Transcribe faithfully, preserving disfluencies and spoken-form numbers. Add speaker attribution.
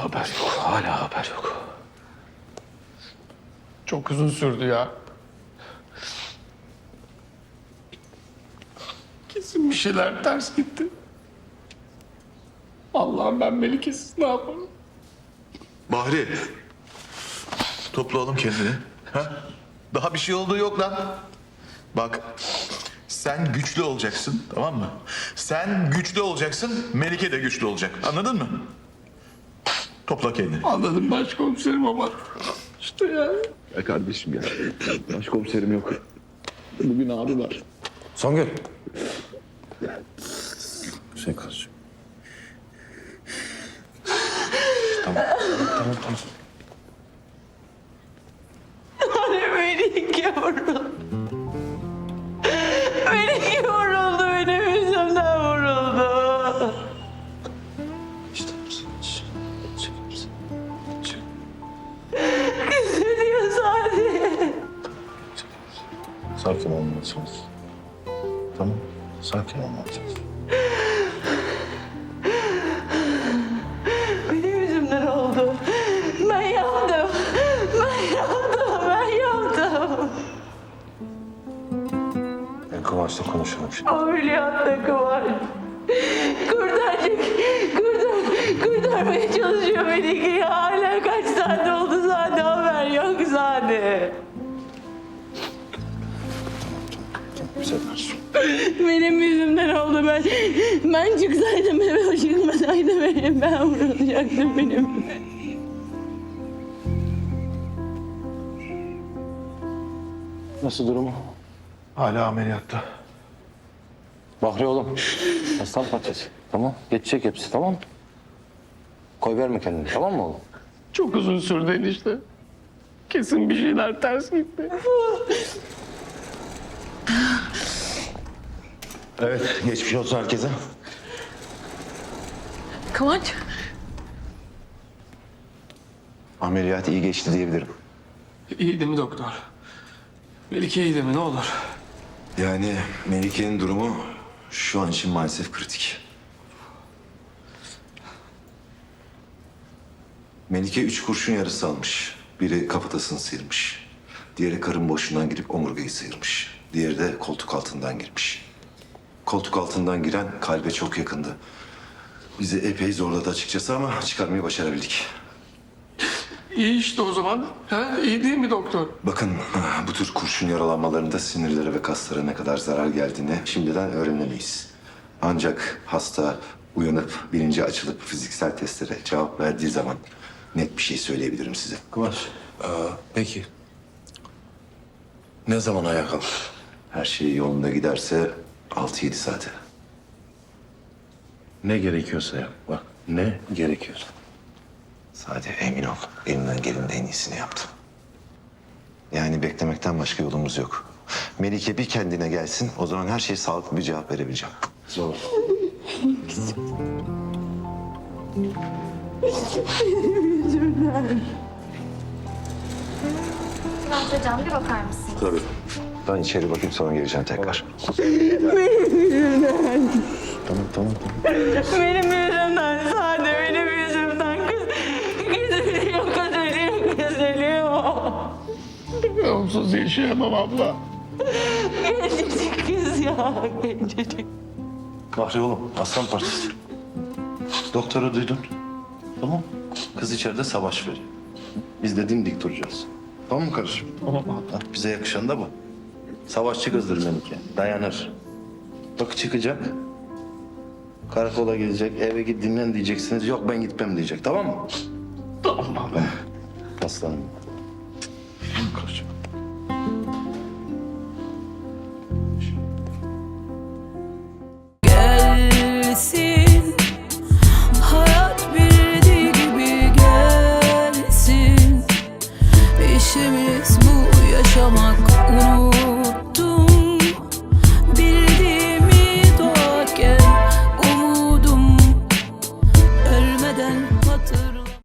Speaker 1: haber yok. Hala haber yok.
Speaker 2: Çok uzun sürdü ya. Kesin bir şeyler ters gitti. Allah'ım ben Melike'siz ne yaparım?
Speaker 3: Bahri. Topla oğlum kendini. Ha? Daha bir şey olduğu yok lan. Bak. Sen güçlü olacaksın, tamam mı? Sen güçlü olacaksın, Melike de güçlü olacak. Anladın mı? Topla kendini.
Speaker 2: Anladım başkomiserim ama işte ya.
Speaker 1: Ya kardeşim ya. Başkomiserim yok. Bugün abi var.
Speaker 4: Songül.
Speaker 1: Şey kardeşim. Tamam. Tamam tamam.
Speaker 5: Melike vuruldu. Melike vuruldu. Benim yüzümden vuruldu.
Speaker 1: İşte.
Speaker 5: Üzülüyor sadece.
Speaker 1: Sakin olmalısınız. Tamam. Sakin olmalısınız.
Speaker 5: Benim yüzümden oldu. Ben yaptım. Ben yaptım. Ben yaptım.
Speaker 1: Ben Kıvanç'la konuşalım şimdi.
Speaker 5: Ameliyatta Kıvanç. Kurtaracak. Kurtar, kurtarmaya çalışıyor Melike'yi. Hala kaç saat oldu zaten haber yok zaten.
Speaker 1: Güzel kardeşim.
Speaker 5: Benim yüzümden oldu ben. Ben çıksaydım eve o çıkmasaydı benim. Ben vurulacaktım benim.
Speaker 1: Nasıl durumu?
Speaker 3: Hala ameliyatta.
Speaker 4: Bahri oğlum. Aslan parçası. Tamam. Geçecek hepsi, tamam mı? Koy verme kendini, tamam mı oğlum?
Speaker 2: Çok uzun sürdü enişte. Kesin bir şeyler ters gitti.
Speaker 1: Evet. Geçmiş olsun herkese.
Speaker 5: Kıvanç.
Speaker 1: Ameliyat iyi geçti diyebilirim.
Speaker 2: İyi değil mi doktor? Melike iyi değil mi ne olur?
Speaker 1: Yani Melike'nin durumu şu an için maalesef kritik. Melike üç kurşun yarısı almış. Biri kafatasını sıyırmış. Diğeri karın boşluğundan girip omurgayı sıyırmış. Diğeri de koltuk altından girmiş. Koltuk altından giren kalbe çok yakındı. Bizi epey zorladı açıkçası ama çıkarmayı başarabildik.
Speaker 2: İyi işte o zaman. Ha, iyi değil mi doktor?
Speaker 1: Bakın bu tür kurşun yaralanmalarında sinirlere ve kaslara ne kadar zarar geldiğini şimdiden öğrenemeyiz. Ancak hasta uyanıp bilinci açılıp fiziksel testlere cevap verdiği zaman net bir şey söyleyebilirim size.
Speaker 3: Kıvanç. Aa, peki. Ne zaman ayağa kalkar?
Speaker 1: Her şey yolunda giderse altı yedi saate.
Speaker 3: Ne gerekiyorsa yap. Bak ne gerekiyorsa.
Speaker 1: Sade emin ol. Elimden gelenin en iyisini yaptım. Yani beklemekten başka yolumuz yok. Melike bir kendine gelsin. O zaman her şeye sağlıklı bir cevap verebileceğim.
Speaker 3: Zor.
Speaker 6: Kıvanç hocam bir bakar mısın?
Speaker 1: Tabii. Ben içeri bakayım sonra geleceğim tekrar.
Speaker 5: Benim yüzümden.
Speaker 1: Tamam tamam tamam.
Speaker 5: Benim yüzümden sadece benim yüzümden. Kız, kız ölüyor, kız ölüyor, kız ölüyor.
Speaker 2: Ben onsuz yaşayamam abla.
Speaker 5: Gencecik kız ya, gencecik.
Speaker 3: Bahri oğlum aslan parçası. Doktoru duydun. Tamam. Kız içeride savaş veriyor. Biz de dimdik duracağız. Tamam mı kardeşim?
Speaker 2: Tamam abla.
Speaker 3: Ha, bize yakışan da bu. Savaşçı kızdır Melike. Dayanır. Bak çıkacak. Karakola gelecek. Eve git dinlen diyeceksiniz. Yok ben gitmem diyecek. Tamam mı?
Speaker 2: Tamam abla.
Speaker 3: Aslanım. Kardeşim.
Speaker 5: Gelsin, hayat bildiği gibi gelsin. İşimiz bu yaşamak, unut.